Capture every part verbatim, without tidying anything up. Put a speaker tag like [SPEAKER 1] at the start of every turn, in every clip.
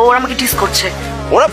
[SPEAKER 1] ওরা আমাকে টিস করছে।
[SPEAKER 2] ওরা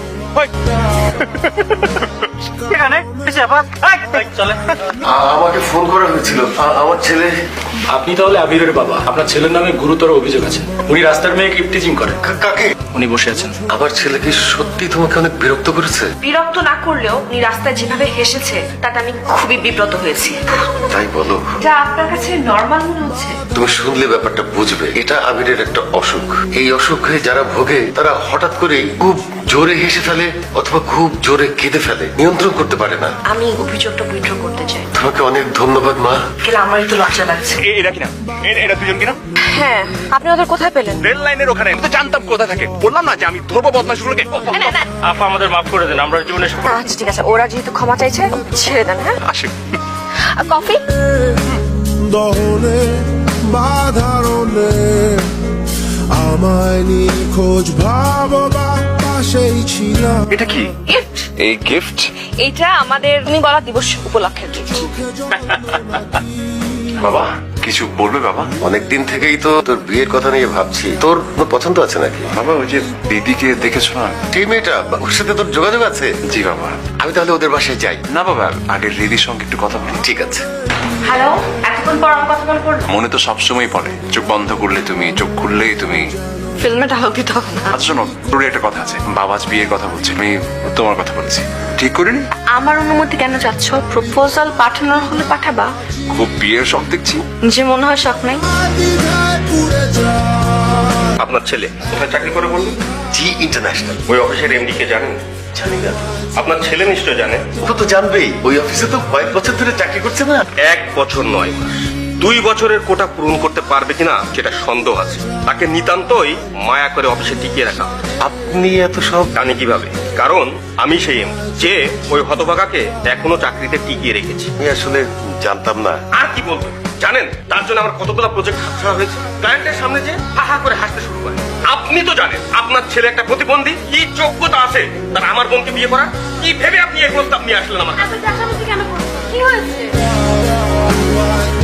[SPEAKER 2] এখানে চলে।
[SPEAKER 3] আমাকে ফোন করা হয়েছিল, আ- আমার ছেলে।
[SPEAKER 4] আপনি তাহলে আবিরের বাবা। আপনার ছেলের নামে গুরুতর অভিযোগ আছে। উনি রাস্তার মেয়েকে ইফটিজিং করে।
[SPEAKER 3] কা- কাকে?
[SPEAKER 4] উনি বসে আছেন।
[SPEAKER 3] আমার ছেলে কি সত্যি তোমাকে অনেক বিরক্ত করেছে?
[SPEAKER 1] বিরক্ত না করলেও উনি রাস্তায় যেভাবে হেসেছে তাতে আমি খুবই বিব্রত হয়েছি।
[SPEAKER 3] তাই বলো?
[SPEAKER 1] যা আপনার কাছে নর্মাল মনে হচ্ছে।
[SPEAKER 3] তুমি শুনলে ব্যাপারটা বুঝবে। এটা আবিরের একটা অসুখ। এই অসুখে যারা ভোগে তারা হঠাৎ করে খুব জোরে হেসে ফেলে অথবা খুব জোরে কেঁদে ফেলে, নিয়ন্ত্রণ করতে পারে না।
[SPEAKER 1] আমি অভিযোগটা উইথড্র করতে চাই।
[SPEAKER 3] তোমাকে অনেক ধন্যবাদ মা।
[SPEAKER 1] গেলে আমার একটু লজ্জা লাগছে।
[SPEAKER 2] এরা কিনা? এ- এরা দুজন কিনা?
[SPEAKER 1] হ্যাঁ, আপনি ওদের কোথায় পেলেন?
[SPEAKER 2] রেল লাইনের ওখানে। আমি তো জানতাম কোথায় থাকে। বললাম না যে আমি ধরবো বদমাশগুলোকে।
[SPEAKER 4] আপা আমাদের মাফ করে দেন, আমরা জীবনে
[SPEAKER 1] আচ্ছা ঠিক আছে, ওরা যেহেতু ক্ষমা চাইছে ছেড়ে দেন। হ্যাঁ,
[SPEAKER 2] আসে।
[SPEAKER 1] আর কফি?
[SPEAKER 5] দহনে বাধারণে আমায় নিখোঁজ ভাববা পাশেই ছিলাম।
[SPEAKER 2] এটা কি?
[SPEAKER 1] গিফট।
[SPEAKER 2] এই গিফট?
[SPEAKER 1] এইটা আমাদের তুমি বলা দিবস উপলক্ষের গিফট।
[SPEAKER 2] বাবা কিছু বলবে বাবা?
[SPEAKER 3] অনেকদিন থেকেই তো তোর বিয়ের কথা নিয়ে ভাবছি। তোর কোনো পছন্দ আছে নাকি?
[SPEAKER 2] বাবা ওই যে দিদিকে দেখেছো না?
[SPEAKER 3] সেই মেয়েটা, ওর সাথে তোর যোগাযোগ আছে?
[SPEAKER 2] জি বাবা।
[SPEAKER 3] আমি তাহলে ওদের বাসায় যাই।
[SPEAKER 2] না বাবা, আগে দিদির সঙ্গে একটু কথা বলি।
[SPEAKER 3] ঠিক আছে।
[SPEAKER 1] হ্যালো, এতক্ষণ পর আমার কথা মনে পড়লো?
[SPEAKER 2] মনে তো সবসময় পড়ে। চোখ বন্ধ করলে তুমি, চোখ খুললেই তুমি।
[SPEAKER 1] ফিল্মে ডায়লগ দিতে হবে না।
[SPEAKER 2] আচ্ছা শোনো, তোর একটা কথা আছে। বাবা আজ বিয়ের কথা বলছি, আমি তোমার কথা বলছি। ঠিক করিনি?
[SPEAKER 1] আমার অনুমতি কেন চাচ্ছ? প্রপোজাল পাঠানোর হলে পাঠাবা।
[SPEAKER 2] খুব বিয়ের শখ দেখছি।
[SPEAKER 1] যে মনে হয় শখ নাই।
[SPEAKER 5] দ্বিধায় পুড়ে যায়
[SPEAKER 6] আপনার ছেলে কোথায় চাকরি করে বলুন?
[SPEAKER 3] G international.
[SPEAKER 6] ওই অফিসের এমডি কে জানেন?
[SPEAKER 3] জানি না।
[SPEAKER 6] আপনার ছেলে নিশ্চয় জানে।
[SPEAKER 3] ও তো জানবেই, ওই অফিসে তো কয়েক বছর ধরে চাকরি করছে না?
[SPEAKER 6] এক বছর নয় মাস, দুই বছরের কোটা পূরণ করতে পারবে কিনা সেটা সন্দেহ আছে। তাকে নিতান্তই মায়া করে অফিসে টিকিয়ে রাখা।
[SPEAKER 3] আপনি এত সব?
[SPEAKER 6] জানি কিভাবে? কারণ আমি সেই এমডি যে ওই হতভাগাকে এখনো চাকরিতে টিকিয়ে রেখেছি।
[SPEAKER 3] আমি আসলে জানতাম না।
[SPEAKER 6] আর কি বলবো জানেন, তার জন্য আমার কতগুলো প্রজেক্ট হাতছাড়া হয়েছে। ক্লায়েন্টের সামনে যে হা হা করে হাসতে শুরু করে। আপনি তো জানেন আপনার ছেলে একটা প্রতিবন্ধী। কি যোগ্যতা আছে তার আমার বোনকে বিয়ে করার? কি ভেবে আপনি এই প্রস্তাব নিয়ে আসলেন আমার কাছে?
[SPEAKER 1] কেন? কি হয়েছে?